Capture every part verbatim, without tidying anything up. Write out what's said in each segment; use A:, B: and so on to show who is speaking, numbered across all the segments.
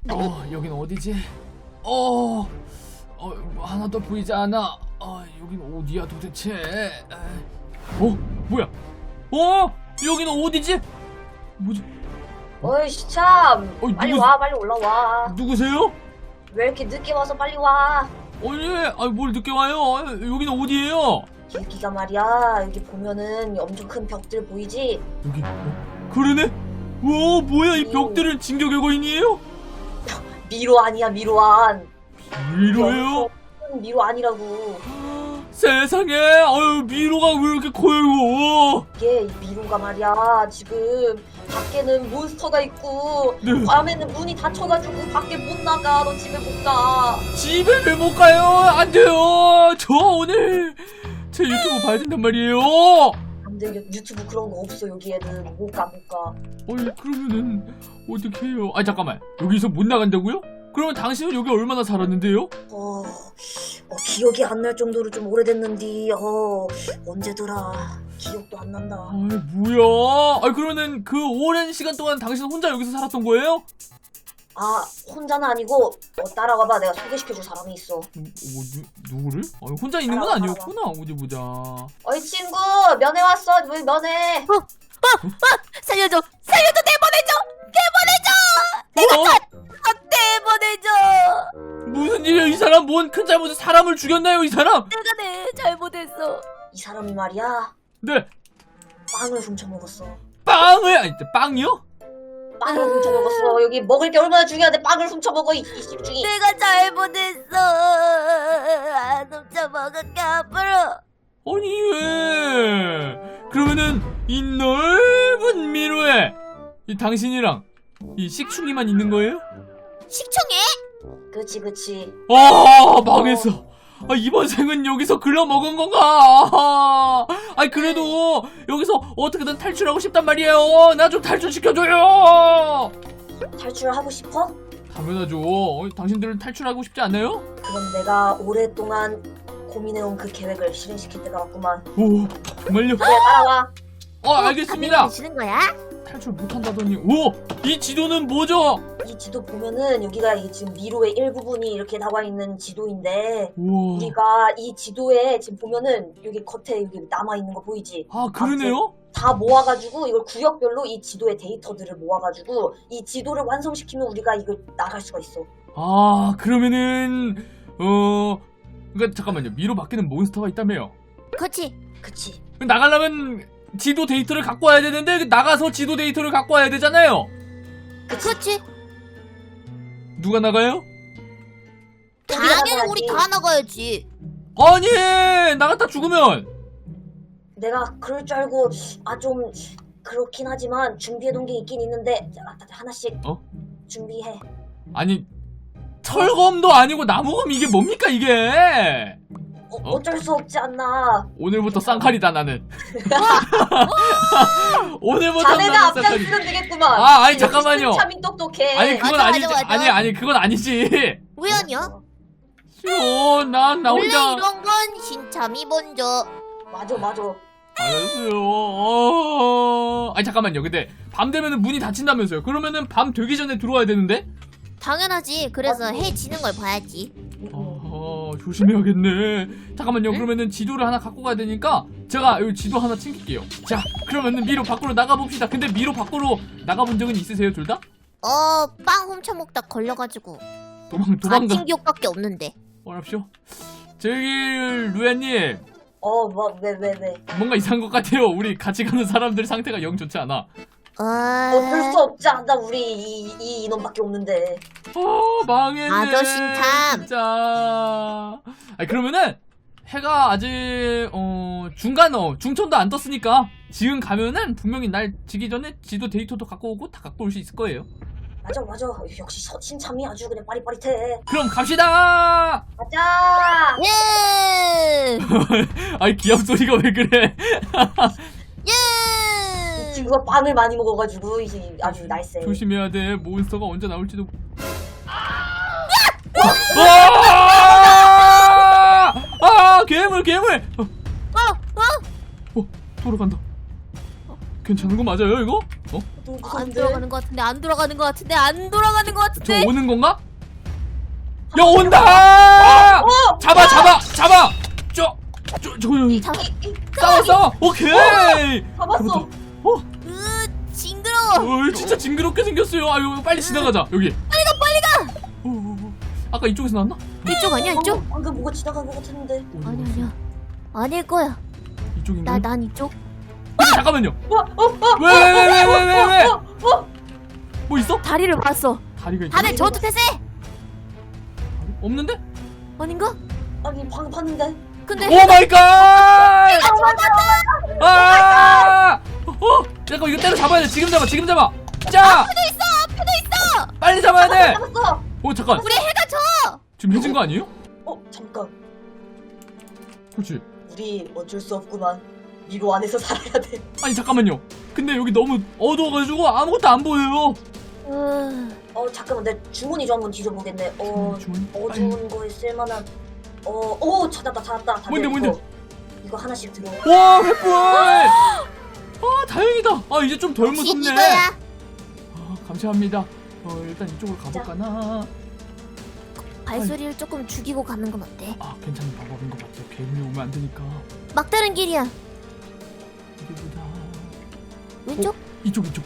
A: 어, 여긴 어디지? 어, 어, 하나도 보이지 않아. 어, 여긴 어디야 도대체? 어, 뭐야? 어, 여기는 어디지? 뭐지?
B: 어이씨 참
A: 어이,
B: 빨리
A: 누구-
B: 와 빨리 올라와.
A: 누구세요?
B: 왜 이렇게 늦게 와서 빨리 와.
A: 아니, 아니 뭘 늦게 와요? 아, 여기는 어디예요?
B: 여기가 말이야 여기 보면은 엄청 큰 벽들 보이지?
A: 여기, 어, 그러네? 와, 뭐야 이 벽들은 진격외거인이에요?
B: 미로 아니야 미로안.
A: 미로예요?
B: 큰 미로 아니라고.
A: 세상에, 아유 미로가 왜 이렇게 커요 이거?
B: 이게 이 미로가 말이야 지금 밖에는 몬스터가 있고
A: 네.
B: 밤에는 문이 닫혀가지고 밖에 못 나가. 너 집에 못 가.
A: 집에 왜 못 가요? 안 돼요. 저 오늘 제 유튜브 봐야 된단 말이에요.
B: 안돼 유튜브 그런 거 없어 여기에는. 못 가 못 가.
A: 어이, 그러면은 어떻게 해요? 아, 잠깐만, 여기서 못 나간다고요? 그러면 당신은 여기 얼마나 살았는데요?
B: 어, 어 기억이 안 날 정도로 좀 오래됐는데 어 언제더라 기억도 안 난다.
A: 아, 뭐야? 아, 그러면은 그 오랜 시간 동안 당신 혼자 여기서 살았던 거예요?
B: 아 혼자는 아니고 어, 따라와봐. 내가 소개시켜줄 사람이 있어.
A: 어, 뭐, 누, 누구를? 아, 혼자 있는 건 아니었구나. 어디 보자.
B: 어이 친구 면회 왔어. 왜 면회?
C: 살려줘! 살려줘! 내보내줘! 내보내줘!
A: 어?
C: 아, 내보내줘!
A: 무슨 일이야? 이 사람 뭔 큰 잘못에 사람을 죽였나요? 이 사람?
C: 내가 내 잘못했어.
B: 이 사람이 말이야
A: 네.
B: 빵을 훔쳐먹었어.
A: 빵을, 아니, 빵이요?
B: 빵을 훔쳐먹었어. 여기 먹을 게 얼마나 중요한데 빵을 훔쳐먹어 이, 이 집중이.
C: 내가 잘못했어. 안 훔쳐먹을게 앞으로.
A: 아니, 왜? 그러면은 이 넓은 미로에 이 당신이랑 이 식충이만 있는 거예요?
C: 식충해?
B: 그치 그치.
A: 아, 망했어. 아, 이번 생은 여기서 글러먹은 건가? 아, 아니, 그래도 여기서 어떻게든 탈출하고 싶단 말이에요. 나 좀 탈출시켜줘요.
B: 탈출하고 싶어?
A: 당연하죠. 어, 당신들은 탈출하고 싶지 않아요?
B: 그럼 내가 오랫동안 고민해온 그 계획을 실행시킬 때가 왔구만.
A: 오, 정말요?
B: 그래 따라와.
A: 어, 알겠습니다.
C: 주는 거야?
A: 탈출 못한다더니. 오, 이 지도는 뭐죠?
B: 이 지도 보면은 여기가 이 지금 미로의 일부분이 이렇게 나와 있는 지도인데
A: 우와.
B: 우리가 이 지도에 지금 보면은 여기 겉에 여기 남아 있는 거 보이지?
A: 아, 그러네요?
B: 다 모아가지고 이걸 구역별로 이 지도의 데이터들을 모아가지고 이 지도를 완성시키면 우리가 이걸 나갈 수가 있어.
A: 아, 그러면은 어, 그러니까 잠깐만요. 미로 바뀌는 몬스터가 있다며요.
C: 그치.
B: 그치?
A: 나가려면 지도 데이터를 갖고 와야 되는데 나가서 지도 데이터를 갖고 와야 되잖아요.
C: 그치.
A: 누가 나가요?
C: 당연히 우리 다 나가야지.
A: 아니, 나갔다 죽으면.
B: 내가 그럴 줄 알고 아 좀 그렇긴 하지만 준비해둔 게 있긴 있는데 자, 하나씩
A: 어?
B: 준비해.
A: 아니, 철검도 아니고 나무검, 이게 뭡니까 이게?
B: 어,
A: 어?
B: 어쩔 수 없지 않나.
A: 오늘부터 쌍칼이다 나는. 오늘부터
B: 자네가
A: 나는 쌍칼이.
B: 앞장서면 되겠구만.
A: 아, 아니, 잠깐만요.
B: 참이 똑똑해.
A: 아니, 그건
C: 맞아,
A: 아니지.
C: 맞아, 맞아.
A: 아니, 아니, 그건 아니지.
C: 왜 아니야?
A: 싫어. 난 나
C: 원래
A: 혼자.
C: 이런 건 신참이 먼저.
B: 맞아 맞아.
A: 알았어요. 어... 아니, 잠깐만요. 근데 밤 되면은 문이 닫힌다면서요. 그러면은 밤 되기 전에 들어와야 되는데?
C: 당연하지. 그래서
B: 맞지.
C: 해 지는 걸 봐야지.
A: 아, 조심해야겠네. 잠깐만요.
C: 응?
A: 그러면은 지도를 하나 갖고 가야 되니까 제가 여기 지도 하나 챙길게요. 자, 그러면은 미로 밖으로 나가봅시다. 근데 미로 밖으로 나가본 적은 있으세요, 둘 다?
C: 어, 빵 훔쳐먹다 걸려가지고.
A: 도망, 도망가.
C: 아침 기억밖에 없는데.
A: 어랍쇼. 저기, 루야님.
B: 어 뭐 왜 왜 왜?
A: 뭔가 이상한 것 같아요. 우리 같이 가는 사람들 상태가 영 좋지 않아.
B: 어쩔 수
C: 어...
B: 없지 않나. 우리 이, 이 인원밖에 없는데.
A: 어, 망했네.
C: 아저씨탐.
A: 진짜. 아니, 그러면은 해가 아직 어 중간 어 중천도 안 떴으니까 지금 가면은 분명히 날 지기 전에 지도 데이터도 갖고 오고 다 갖고 올 수 있을 거예요.
B: 맞아 맞아. 역시 서친참이 아주 그냥 빠릿빠릿해.
A: 그럼 갑시다.
B: 가자.
C: 예!
A: 아이, 기합 소리가 왜 그래?
B: 이
C: 예!
B: 친구가 빵을 많이 먹어가지고 이제 아주 날쌔.
A: 조심해야 돼. 몬스터가 언제 나올지도. 아! 아, 괴물, 괴물. 어,
C: 어! 어!
A: 어, 돌아간다. 괜찮은 거 맞아요, 이거? 어?
B: 너무
C: 안
B: 무서운데?
C: 돌아가는 것 같은데 안 돌아가는 것 같은데 안 돌아가는 것
A: 저
C: 같은데.
A: 오는 건가? 야 온다!
B: 어!
A: 잡아 잡아 잡아! 저 저 저
C: 잡.
A: 싸워 싸워! 오케이!
B: 잡았어.
A: 어?
C: 으 징그러워.
A: 어, 진짜 징그럽게 생겼어요. 아유, 빨리 지나가자. 여기. 빨리 가, 빨리 가. 어, 어, 어. 아까 이쪽에서 나왔나?
C: 이쪽 아니야 이쪽?
B: 방금, 방금 뭐가 지나간 것 같았는데.
A: 어디
C: 아니
A: 갔어?
C: 아니야. 아닐 거야.
A: 이쪽인가?
C: 나 난 이쪽.
A: 근데 잠깐만요.
B: 어, 어, 어,
A: 왜 왜 왜 왜 왜 왜?
B: 어, 어.
A: 뭐 있어?
C: 다리를 봤어.
A: 다리가 있어?
C: 다들 전투 태세.
A: 없는데?
C: 아닌가?
B: 아니 방금 봤는데.
C: 근데
A: 오 마이 갓! 아! 어? 잠깐 이거 때려 잡아야 돼. 지금 잡아. 지금 잡아. 자!
C: 앞에도 있어. 앞에도 있어.
A: 빨리 잡아야 돼.
B: 잡았어.
A: 오 잠깐.
C: 우리 해가 져.
A: 지금 해진 거 아니에요?
B: 어 잠깐.
A: 그렇지.
B: 우리 어쩔 수 없구만. 미로 안에서 살아야 돼.
A: 아니 잠깐만요. 근데 여기 너무 어두워가지고 아무것도 안 보여요.
C: 으,
B: 어 잠깐만 내 주머니 좀 한번 뒤져보겠네. 어
A: 주머니?
B: 어두운 거에 쓸만한. 어오 찾았다 찾았다. 다들
A: 뭔데, 뭔데?
B: 이거, 이거 하나씩 들어.
A: 와 횃불! 아 다행이다. 아 이제 좀 덜
C: 역시
A: 무섭네.
C: 이거야.
A: 아 감사합니다. 어 일단 이쪽으로 가볼까나.
C: 발소리를 조금 죽이고 가는 건 어때?
A: 아 괜찮은 방법인 것 같아요. 괴물이 오면 안 되니까.
C: 막다른 길이야.
A: 어디 보자.
C: 왼쪽?
A: 이쪽 이쪽.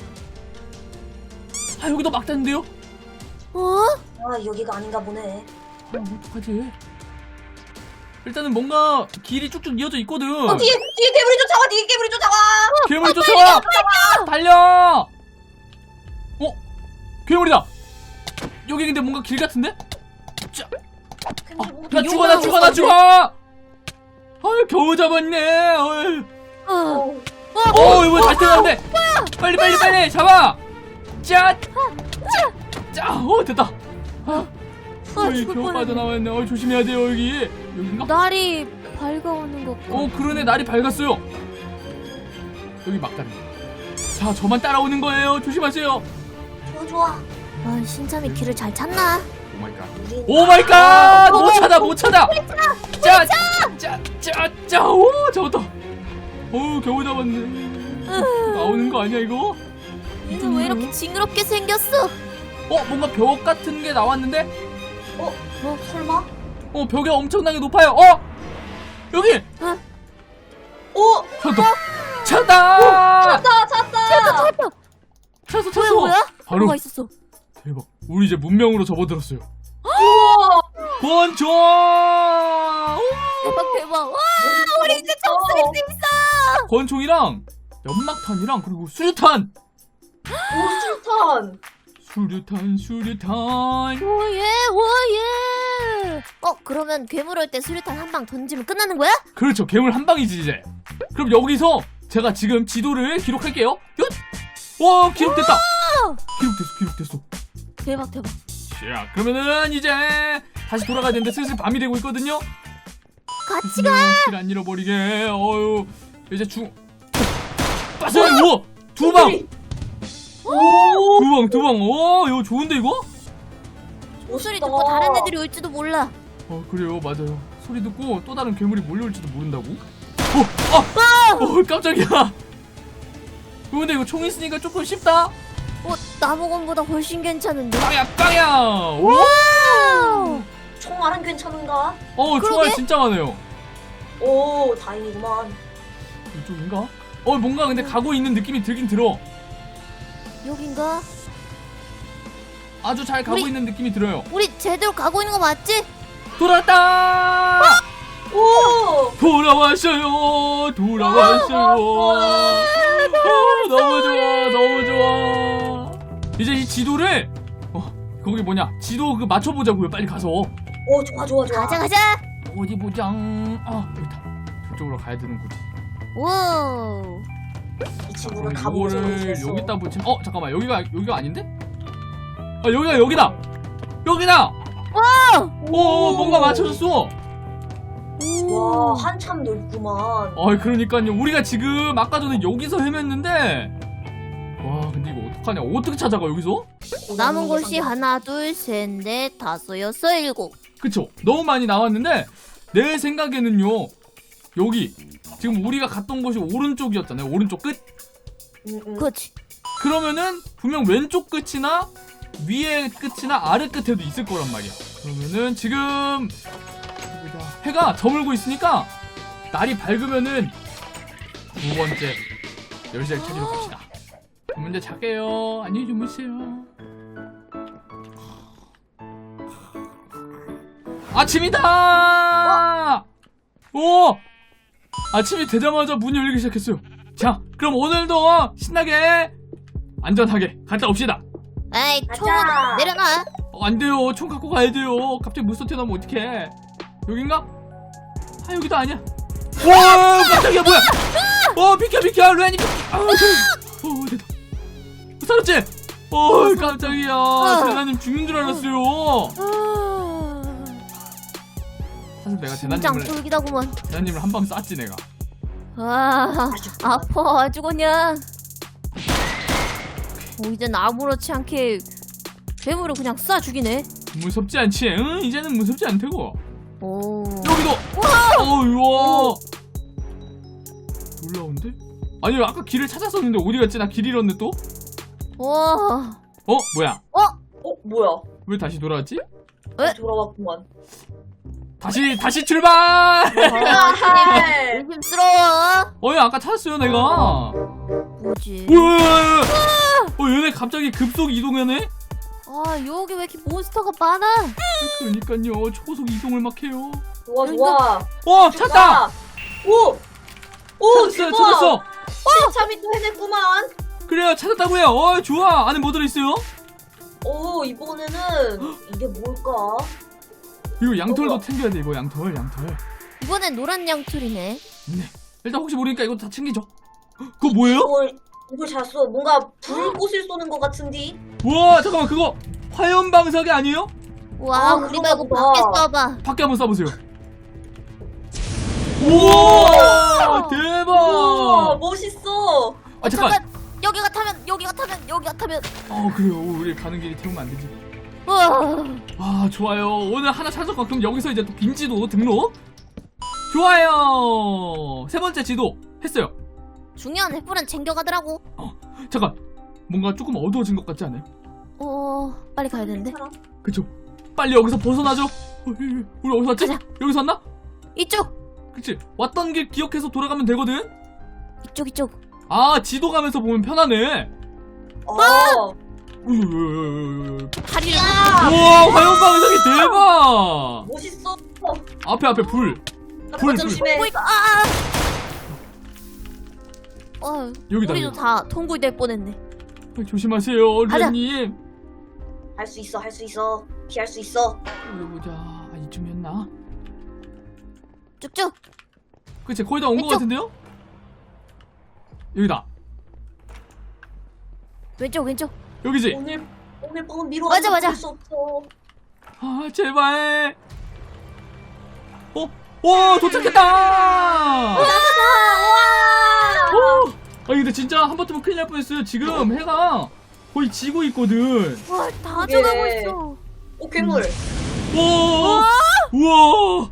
A: 아 여기도 막다는데요?
C: 어?
B: 아 여기가 아닌가 보네.
A: 아 어떡하지? 일단은 뭔가 길이 쭉쭉 이어져 있거든.
B: 어 뒤에 뒤에 괴물이 쫓아와. 뒤에 괴물이 쫓아와.
A: 괴물이 쫓아와! 달려! 어? 괴물이다! 여기 근데 뭔가 길 같은데? 자,
B: 괴물이 뭐
A: 나 죽어 나 죽어 나 죽어! 아유 겨우 잡았네. 어이.
C: 어.
B: 어,
A: 어 이거 다시 태어났네. 빨리 빨리 빨리 잡아. 짜. 짜. 어 됐다. 아,
C: 아,
A: 어이
C: 죽을
A: 겨우
C: 뻔했네.
A: 빠져나왔네. 어 조심해야 돼요 여기. 여긴가?
C: 날이 밝아오는 것 같고.
A: 어 그러네 날이 밝았어요. 여기 막다리. 자 저만 따라오는 거예요. 조심하세요.
B: 좋아 좋아.
C: 아, 신참이 길을 잘 찾나?
A: 오 마이 갓.
B: 우린
A: 오 마이 갓! 못 찾아 못 찾아. 짜. 짜. 짜. 짜. 오 잡았다. 오 겨우 잡았네. 나오는 거 아니야 이거?
C: 얘는 왜 이렇게 징그럽게 생겼어?
A: 어 뭔가 벽 같은 게 나왔는데?
B: 어? 뭐 설마?
A: 어 벽이 엄청나게 높아요. 어 여기
B: 오!
A: 찾았다. 찾았다.
B: 찾았다 찾았다.
C: 찾았다 찾았다.
A: 찾았어
C: 뭐야
A: 찾았어.
C: 뭐야?
A: 바로
C: 뭐가 있었어?
A: 대박. 우리 이제 문명으로 접어들었어요.
B: 우와.
A: 권총.
C: 대박 대박. 와
B: 우리
C: 이제 접수할 수 있어.
A: 권총이랑 연막탄이랑 그리고 수류탄.
B: 오수탄.
A: 수류탄 수류탄.
C: 오예 오예. 어 그러면 괴물 올 때 수류탄 한 방 던지면 끝나는 거야?
A: 그렇죠. 괴물 한 방이지 이제. 그럼 여기서 제가 지금 지도를 기록할게요. 얏! 와 기록됐다. 기록됐어 기록됐어.
C: 대박 대박.
A: 자 그러면은 이제 다시 돌아가야 되는데 슬슬 밤이 되고 있거든요.
C: 같이 가.
A: 길 안 잃어버리게. 어유 이제 중 빠져요. 우와 두 방.
B: 오.
A: 두 방 두 방. 와 이거 좋은데 이거?
C: 소리
B: 멋있다.
C: 듣고 다른 애들이 올지도 몰라.
A: 어 그래요 맞아요. 소리 듣고 또 다른 괴물이 몰려올지도 모른다고? 어! 아! 어 깜짝이야. 어, 근데 이거 총 있으니까 조금 쉽다.
C: 어 나무건보다 훨씬 괜찮은데.
A: 빵야 빵야. 오!
C: 와우.
B: 총알은 괜찮은가?
A: 어
C: 그러게.
A: 총알 진짜 많아요.
B: 오 다행이구만.
A: 이쪽인가? 어 뭔가 근데 가고 있는 느낌이 들긴 들어.
C: 여긴가?
A: 아주 잘 가고
C: 우리-
A: 있는 느낌이 들어요.
C: 우리 제대로 가고 있는 거 맞지?
A: 돌아왔다.
B: 오.
A: 돌아왔어요. 돌아왔어요. 아, 너무 좋아, 너무 좋아. 이제 이 지도를 어 거기 뭐냐 지도 그 맞춰보자고요. 빨리 가서
B: 오 좋아 좋아 좋아.
C: 가자 가자.
A: 어디 보자. 아 여기다. 저쪽으로 가야 되는 거지.
C: 오.
B: 이
A: 자,
B: 친구는
A: 그럼
B: 가보고
A: 이거를
B: 싶어.
A: 여기다 붙이면 어 잠깐만 여기가 여기가 아닌데? 아 여기가 여기다. 여기다. 오 뭔가 맞춰줬어.
B: 와 한참 넓구만.
A: 아 그러니까요. 우리가 지금 아까 전에 여기서 헤맸는데 와 근데 이거 어떡하냐. 어떻게 찾아가 여기서?
C: 남은 곳이 하나 둘셋넷 다섯 여섯 일곱.
A: 그쵸? 너무 많이 나왔는데 내 생각에는요 여기 지금 우리가 갔던 곳이 오른쪽이었잖아요. 오른쪽 끝?
B: 응, 응.
C: 그렇지.
A: 그러면은 분명 왼쪽 끝이나 위에 끝이나 아래 끝에도 있을 거란 말이야. 그러면은 지금 해가 저물고 있으니까 날이 밝으면은 두 번째 열쇠를 찾으러 갑시다. 그럼 이제 잘게요. 안녕히 주무세요. 아침이다! 오! 아침이 되자마자 문이 열리기 시작했어요. 자, 그럼 오늘도 신나게 안전하게 갔다 옵시다.
C: 에이, 총
B: 가자.
C: 내려놔.
A: 어, 안 돼요. 총 갖고 가야 돼요. 갑자기 물소 튀어나오면 어떡해. 여긴가? 아, 여기도 아니야. 와, 깜짝이야, 뭐야? 어, 비켜, 비켜, 루안이 비켜. 아우, 저, 어, 됐다. 살았지? 어, 깜짝이야. 대나님 죽는 줄 알았어요. 사실 내가
C: 심장
A: 대나님을,
C: 쫄기다구먼.
A: 대나님을 한 방 쐈지, 내가.
C: 아, 아파 아주 그냥. 어, 이젠 아무렇지 않게 괴물을 그냥 쏴 죽이네.
A: 무섭지 않지? 응? 이제는 무섭지 않다고.
C: 오.
A: 여기도! 어우, 와! 놀라운데? 아니, 아까 길을 찾았었는데 어디 갔지? 나 길 잃었네, 또?
C: 와.
A: 어? 뭐야?
B: 어 뭐야?
A: 왜 다시 돌아왔지?
C: 에?
B: 돌아왔구만.
A: 다시, 다시 출발!
B: 아,
C: 의심스러워.
A: 어이, 아까 찾았어요, 내가.
C: 뭐지?
A: 우와! 어, 얘네 갑자기 급속 이동하네?
C: 아, 여기 왜 이렇게 몬스터가 많아?
A: 그러니까요, 초고속 이동을 막 해요.
B: 좋아 좋아.
A: 어, 찾다!
B: 오! 오!
A: 찾았어요,
B: 대박!
A: 찾았어!
B: 참이 또 해냈구만.
A: 그래요, 찾았다고요. 어, 좋아. 안에 뭐 들어있어요?
B: 오, 이번에는 이게 뭘까?
A: 이거 양털도
B: 어.
A: 챙겨야 돼, 이거 양털, 양털.
C: 이번엔 노란 양털이네.
A: 네. 일단 혹시 모르니까 이거 다 챙기죠. 헉, 그거 뭐예요?
B: 이걸 이걸 잤어. 뭔가 불꽃을 쏘는 것 같은데.
A: 우와, 잠깐만, 그거 화염 방사기 아니에요?
C: 와,
B: 아,
C: 우리
B: 그런가
C: 말고
B: 보다.
C: 밖에 써봐.
A: 밖에 한번 쏴보세요. 우와, 대박!
B: 우와, 멋있어.
A: 아, 잠깐.
C: 잠깐, 여기가 타면, 여기가 타면, 여기가 타면.
A: 어, 그래요. 우리 가는 길이 태우면 안 되지.
C: 우와.
A: 아, 좋아요. 오늘 하나 찾았고, 그럼 여기서 이제 또 빈 지도 등록. 좋아요. 세 번째 지도 했어요.
C: 중요한 횃불은 챙겨가더라고.
A: 잠깐. 뭔가 조금 어두워진 것 같지 않아요?
C: 어, 빨리 가야 되는데.
B: 괜찮아?
A: 그쵸? 빨리 여기서 벗어나죠. 어, 우리 어디서 왔지?
C: 가자.
A: 여기서 왔나?
C: 이쪽,
A: 그치? 왔던 길 기억해서 돌아가면 되거든?
C: 이쪽, 이쪽.
A: 아, 지도 가면서 보면 편하네.
B: 어.
A: 우와,
C: 다리를.
A: 화염 방사기 대박!
B: 멋있어.
A: 앞에 앞에 불. 불,
B: 불 조심해.
C: 보이가. 아, 아. 어,
A: 여기다.
C: 우리도
A: 여기.
C: 다 통굴될 뻔했네.
A: 어, 조심하세요,
C: 가자.
A: 루님.
B: 할 수 있어, 할 수 있어. 피할 수 있어.
A: 어디 보자. 아, 이쯤이었나?
C: 쭉쭉.
A: 그치, 거의 다 온 것
C: 왼쪽.
A: 같은데요? 여기다.
C: 왼쪽, 왼쪽.
A: 여기지?
B: 오늘 오늘 밤은 미로
C: 맞아, 맞아.
B: 수 없어.
A: 아, 제발. 어? 오, 도착했다!
B: 와!
A: 오! 아니, 근데 진짜 한 번 뜨면 큰일 날 뻔했어요. 지금 해가 거의 지고 있거든.
C: 와, 다
B: 그게-
C: 져가고 있어.
B: 오, 괴물.
A: 와! 우와!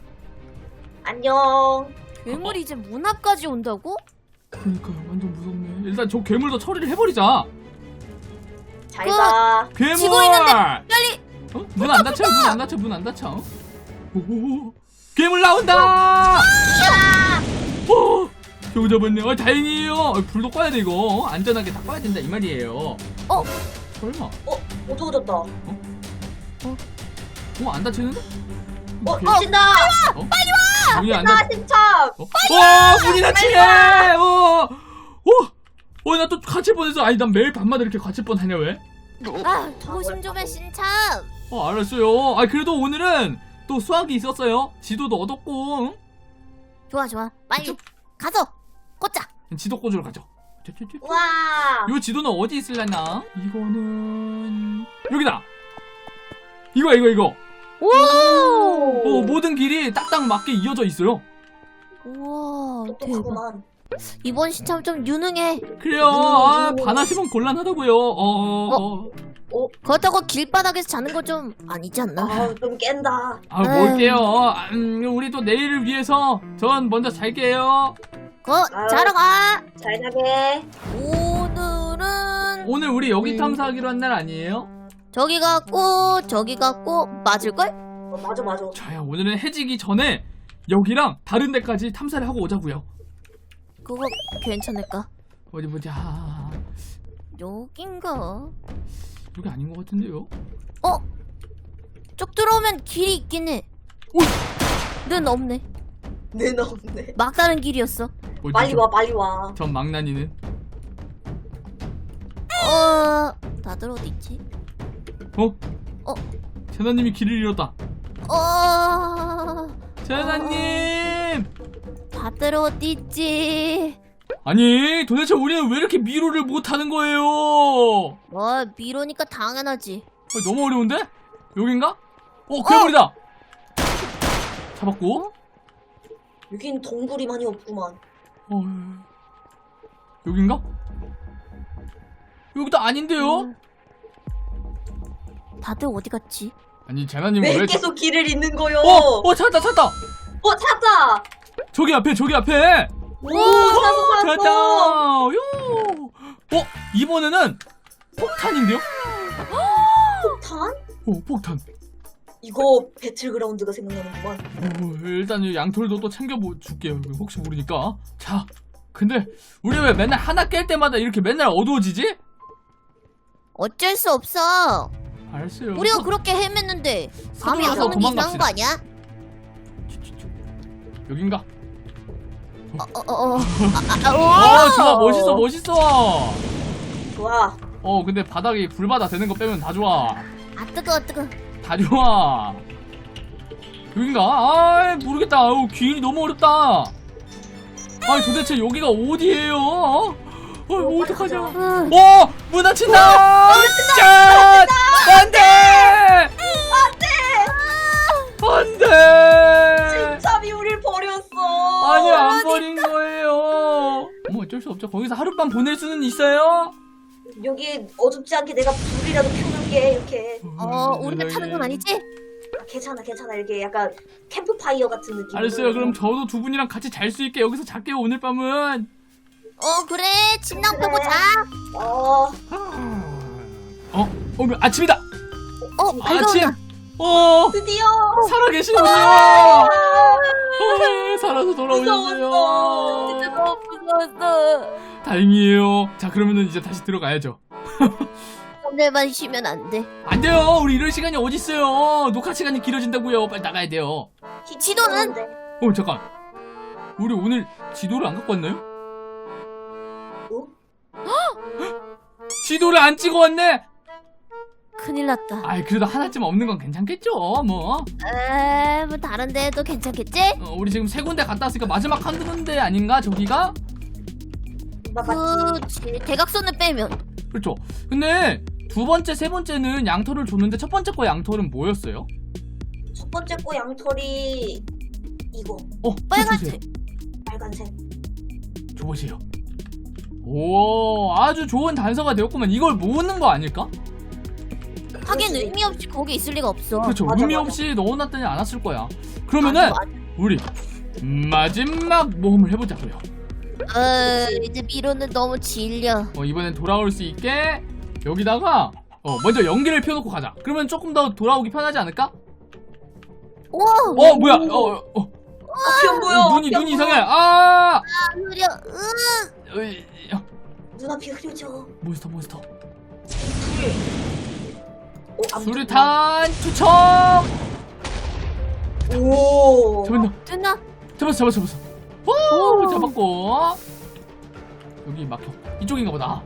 B: 안녕.
C: 괴물이 이제 문 앞까지 온다고?
A: 그러니까요, 완전 무섭네. 일단 저 괴물도 처리를 해버리자.
B: 잘
C: 그-
B: 가.
A: 괴물!
C: 지고 있는데 빨리.
A: 어? 문 안 닫혀? 문 안 닫혀? 문 안 닫혀? 오, 괴물 나온다! 오! 겨우 잡았네. 어, 다행이에요. 어, 불도 꺼야 돼, 이거. 안전하게 다 꺼야 된다, 이 말이에요.
C: 어?
A: 설마.
B: 어, 어두워졌다. 어,
A: 어, 안 다치는데? 오케이.
B: 미친다.
A: 어? 빨리 와! 문이 안 닫...
B: 나 신참.
A: 어? 와, 문이 닫히네! 어! 어! 어, 나 또 갇힐 뻔했어. 아니, 난 매일 밤마다 이렇게 갇힐 뻔하냐, 왜?
C: 아, 조심 좀 해, 신참.
A: 어, 알았어요. 아, 그래도 오늘은 또 수학이 있었어요. 지도도 얻었고, 응?
C: 좋아, 좋아. 빨리
A: 그쵸?
C: 가서 꽂자.
A: 지도 꽂으러 가죠.
B: 와.
A: 이 지도는 어디 있을려나? 이거는 여기다. 이거 이거 이거.
C: 오!
A: 어, 모든 길이 딱딱 맞게 이어져 있어요.
C: 우와, 대박.
B: 똑똑하구만.
C: 이번 신참 좀 유능해.
A: 그래요. 아, 반하시면 곤란하다고요. 어, 어, 어.
C: 그렇다고 길바닥에서 자는 거 좀 아니지 않나?
B: 아, 좀 깬다.
A: 아, 뭘게요. 아, 음, 우리 또 내일을 위해서 전 먼저 잘게요.
C: 거 자러 가.
B: 잘 자게.
C: 오늘은
A: 오늘 우리 여기
C: 음.
A: 탐사하기로 한 날 아니에요?
C: 저기 갖고 저기 갖고 맞을걸?
B: 어, 맞아 맞아.
A: 자야, 오늘은 해지기 전에 여기랑 다른 데까지 탐사를 하고 오자고요.
C: 그거 괜찮을까?
A: 어디 보자.
C: 여긴가?
A: 여기 아닌 것 같은데요?
C: 어? 쭉 들어오면 길이 있긴 해.
A: 오!
C: 는 없네.
B: 내 나온네.
C: 막다른 길이었어.
A: 어디죠?
B: 빨리 와 빨리 와.
A: 전 망나니는.
C: 어... 다들 어디 있지?
A: 어?
C: 어?
A: 재나님이 길을 잃었다.
C: 어...
A: 재나님!
C: 다들 어디 있지?
A: 아니, 도대체 우리는 왜 이렇게 미로를 못하는 거예요?
C: 뭐 미로니까 당연하지.
A: 어, 너무 어려운데? 여긴가? 어, 괴물이다! 잡았고.
B: 여긴 동굴이 많이 없구만.
A: 어, 여긴가? 여기도 아닌데요?
C: 음. 다들 어디 갔지?
A: 아니, 재나님
B: 왜
A: 왜?
B: 계속 길을 잃는 거요?
A: 어! 어, 찾았다, 찾았다!
B: 어, 찾았다.
A: 저기 앞에, 저기 앞에!
B: 오, 찾았어
A: 찾았다!
B: 찾았어.
A: 요! 어, 이번에는 폭탄인데요?
B: 폭탄?
A: 어, 폭탄.
B: 이거 배틀그라운드가 생각나는구만.
A: 어, 일단 이 양털도 또 챙겨줄게요. 혹시 모르니까. 자, 근데 우리 왜 맨날 하나 깰 때마다 이렇게 맨날 어두워지지?
C: 어쩔 수 없어.
A: 알았어요.
C: 우리가
A: 서-
C: 그렇게 헤맸는데 밤이
A: 서둘러서
C: 오면 이상한
A: 도망갑시다.
C: 거 아니야?
A: 여긴가?
C: 어어어.
A: 어, 좋아, 멋있어, 멋있어.
B: 좋아.
A: 어, 근데 바닥이 불바다 되는 거 빼면 다 좋아.
C: 아 뜨거 뜨거.
A: 다 좋아. 여긴가? 아, 모르겠다. 아유, 기인이 너무 어렵다. 아니, 도대체 여기가 어디예요? 어, 어 어떡하냐?
C: 어.
A: 어! 문 닫힌다! 짠! 안 돼! 안 돼!
B: 진짜이 우릴 버렸어.
A: 아니, 안 버린 거예요. 뭐 어쩔 수 없죠. 거기서 하룻밤 보낼 수는 있어요?
B: 여기 어둡지 않게 내가 불이라도 켜놓을게 이렇게.
C: 어 우리가 타는 건 아니지?
B: 괜찮아 괜찮아 이렇게 약간 캠프파이어 같은 느낌.
A: 알았어요. 그럼 저도 두 분이랑 같이 잘 수 있게 여기서 잘게요, 오늘 밤은.
C: 어 그래 침낭 펴고 자.
B: 어.
A: 어? 어, 아침이다!
C: 어
A: 아침!
C: 밝아온다.
A: 어!
B: 드디어.
A: 살아계시는군요!
B: 아,
A: 어, 살아서 돌아오셨어요.
B: 무서웠어.
C: 진짜 너무 무서웠어.
A: 다행이에요. 자, 그러면은 이제 다시 들어가야죠.
C: 오늘만 쉬면 안 돼.
A: 안 돼요. 우리 이럴 시간이 어딨어요. 녹화 시간이 길어진다고요. 빨리 나가야 돼요.
C: 지도는?
A: 어, 잠깐. 우리 오늘 지도를 안 갖고 왔나요?
B: 어?
A: 지도를 안 찍어 왔네.
C: 큰일 났다.
A: 아이, 그래도 하나쯤 없는 건 괜찮겠죠. 뭐.
C: 에이 뭐 다른 데도 괜찮겠지?
A: 어, 우리 지금 세 군데 갔다 왔으니까 마지막 한 군데 아닌가? 저기가?
B: 나 맞지.
C: 그치 대각선을 빼면.
A: 그렇죠. 근데 두 번째, 세 번째는 양털을 줬는데 첫 번째 거 양털은 뭐였어요?
B: 첫 번째 거 양털이 이거
A: 어,
C: 빨간색.
B: 빨간색.
A: 줘보세요. 오, 아주 좋은 단서가 되었구만. 이걸 모으는 거 아닐까?
C: 하긴
B: 그렇지.
C: 의미 없이 거기 있을 리가 없어.
A: 그렇죠.
B: 맞아,
A: 의미
B: 맞아.
A: 없이 넣어놨더니 않았을 거야. 그러면은
C: 맞아,
A: 우리 마지막 모험을 해보자고요.
C: 어 이제 미로는 너무 질려.
A: 어, 이번엔 돌아올 수 있게 여기다가 어, 먼저 연기를 펴놓고 가자. 그러면 조금 더 돌아오기 편하지 않을까?
C: 오.
A: 어, 뭐야? 어, 어, 어,
B: 앞이 안 보여.
A: 눈이
B: 앞이 안
A: 눈이
B: 보여.
A: 이상해. 아,
C: 흐려. 으.
A: 으이, 어,
B: 눈앞이 흐려져.
A: 몬스터 몬스터.
B: 어, 안
A: 수류탄 투척.
B: 보여. 오.
A: 잡았나?
C: 됐나?
A: 잡았어, 잡았어, 잡았어. 오, 잡았고. 여기 막혀. 이쪽인가 보다.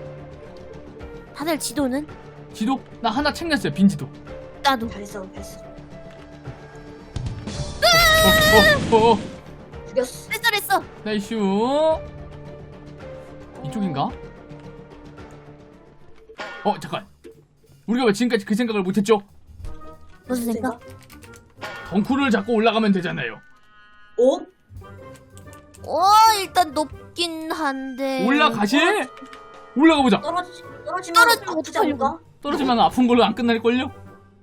C: 다들 지도는?
A: 지도 나 하나 챙겼어요. 빈 지도.
C: 나도.
B: 잘했어 잘했어.
A: 어, 어, 어, 어.
B: 죽였어.
A: 네.
C: 했어.
A: 나이슈. 이쪽인가? 어, 잠깐. 우리가 왜 지금까지 그 생각을 못했죠?
C: 무슨 생각?
A: 덩쿨을 잡고 올라가면 되잖아요.
B: 어?
C: 어 일단 높긴 한데.
A: 올라가시? 올라가 보자.
B: 떨어지 떨어지면
C: 떨어지면
B: 아프지
C: 어떡하려고.
B: 않을까?
A: 떨어지면 아픈 걸로 안 끝날걸요?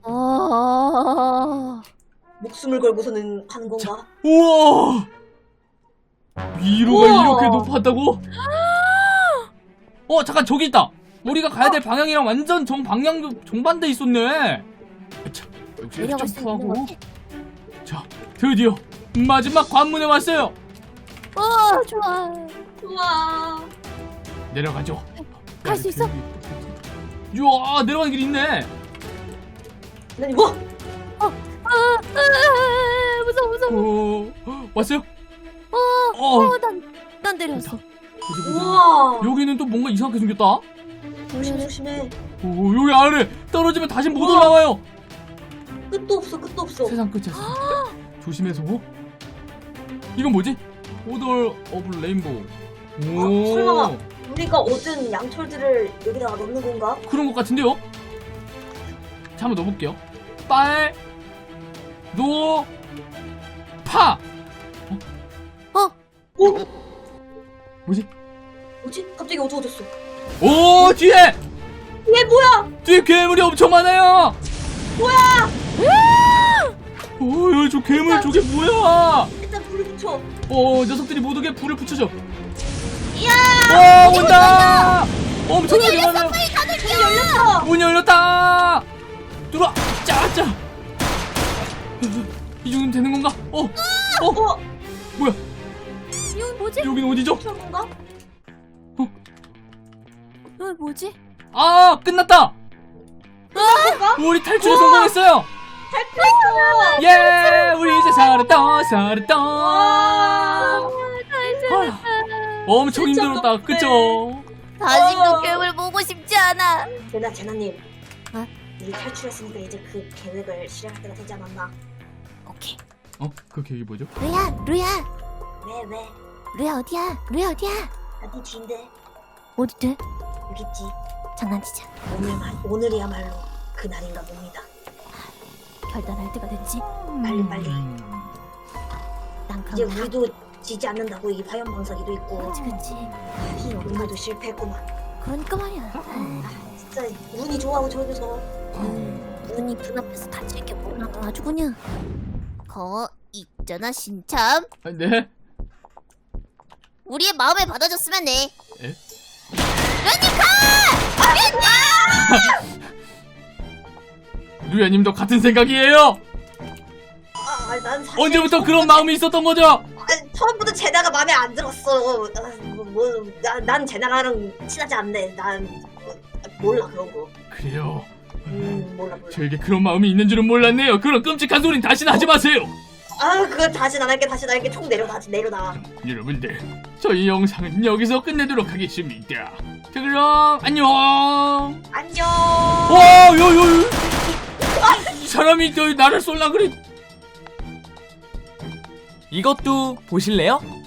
C: 어.
B: 목숨을 걸고서는 하는 건가?
A: 우와! 위로가
B: 우와.
A: 이렇게 높았다고? 어, 잠깐, 저기 있다. 우리가 가야 될 방향이랑 완전 정방향도 정반대 있었네. 자, 여기서 이렇게
C: 내려갈 수 있는
A: 점프하고.
C: 거지?
A: 자, 드디어 마지막 관문에 왔어요.
C: 어 좋아.
B: 우와.
A: 내려가죠.
C: 갈 수 있어?
A: 이야, 내려가는 길 있네.
B: 난 이거.
C: 아, 아 무서워 무서워.
A: 어, 왔어요?
C: 어,
A: 어,
C: 어, 난, 난 내렸어.
A: 보자, 보자.
B: 우와.
A: 여기는 또 뭔가 이상하게 생겼다.
B: 조심 조심해.
A: 오, 여기 아래 떨어지면 다시 못 올라와요.
B: 끝도 없어 끝도 없어.
A: 세상 끝이야. 세상 끝. 조심해서. 이건 뭐지? 오더 오브 레인보우. 오,
B: 설마. 우리가 얻은 양털들을 여기다가 넣는 건가?
A: 그런 것 같은데요? 자, 한번 넣어볼게요. 빨, 노, 파.
C: 어,
B: 오.
A: 뭐지?
B: 뭐지? 갑자기 어두워졌어.
A: 오, 뒤에!
B: 얘 뭐야?
A: 뒤에 괴물이 엄청 많아요!
B: 뭐야?
A: 오, 야, 저 괴물 저게 뭐야?
B: 일단 불을 붙여.
A: 어, 녀석들이 모두게 불을 붙여줘. 야! 오, 온다! 엄청나게 많아요.
B: 문이 열렸어.
A: 문 열렸다! 들어와! 짜짜! 이 정도면 되는 건가? 어! 어!
B: 어?
A: 뭐야?
C: 이건 뭐지?
A: 여긴 어디죠?
B: 그런 건가?
C: 이건 뭐지?
A: 아! 끝났다!
B: 뭔가?
A: 우리 탈출에 성공했어요!
B: 탈출했어.
A: 예! 우리 이제 살았다! 살았다!
B: 와.
A: 아, 엄청
B: 진짜
A: 힘들었다.
B: 덥네.
A: 그쵸?
C: 다시도
B: 어.
C: 괴물 보고 싶지 않아.
B: 제나 제나님.
C: 어?
B: 우리 탈출했으니까 이제 그 계획을 실행할 때가 되지 않았나?
C: 오케이.
A: 어? 그 계획이 뭐죠?
C: 루야, 루야,
B: 왜 왜?
C: 루야 어디야? 루야 어디야?
B: 나네 뒤인데
C: 어디 돼?
B: 여기 있지.
C: 장난치자.
B: 오늘 말 오늘이야말로 그 날인가 봅니다.
C: 결단할 때가 됐지.
B: 빨리 빨리.
A: 음.
C: 난
B: 이제
C: 그럼 가.
B: 우리도 지지 않는다고 이 화염 방사기도 있고.
C: 그렇지, 그렇지.
B: 이 오늘도 실패했구만.
C: 그러니까 말이야.
B: 아, 진짜 운이 좋아하고 저기서.
C: 음, 눈이 눈앞에서 다칠 게 뭐나 아주 그냥. 거 있잖아 신참.
A: 아, 네?
C: 우리의 마음을 받아줬으면 해.
A: 에? 루야님도 같은 생각이에요?
B: 아, 아니, 난 사실
A: 언제부터 그런
B: 처음부터
A: 마음이 있었던 거죠?
B: 아니, 처음부터 제나가 마음에 안 들었어. 아, 뭐, 뭐, 나, 난 제나랑 친하지 않네. 난 뭐, 몰라 그런 거.
A: 그래요.
B: 음 몰라 몰라.
A: 저에게 그런 마음이 있는 줄은 몰랐네요. 그런 끔찍한 소린 다시는 하지 마세요.
B: 아 그거 다시 안 할게 다시 안 할게. 총 내려놔 내려놔.
A: 여러분들, 저희 영상은 여기서 끝내도록 하겠습니다. 자, 그럼 안녕.
B: 안녕.
A: 와, 요, 요, 요. 사람이 저 나를 쏠라 그래.
D: 이것도 보실래요?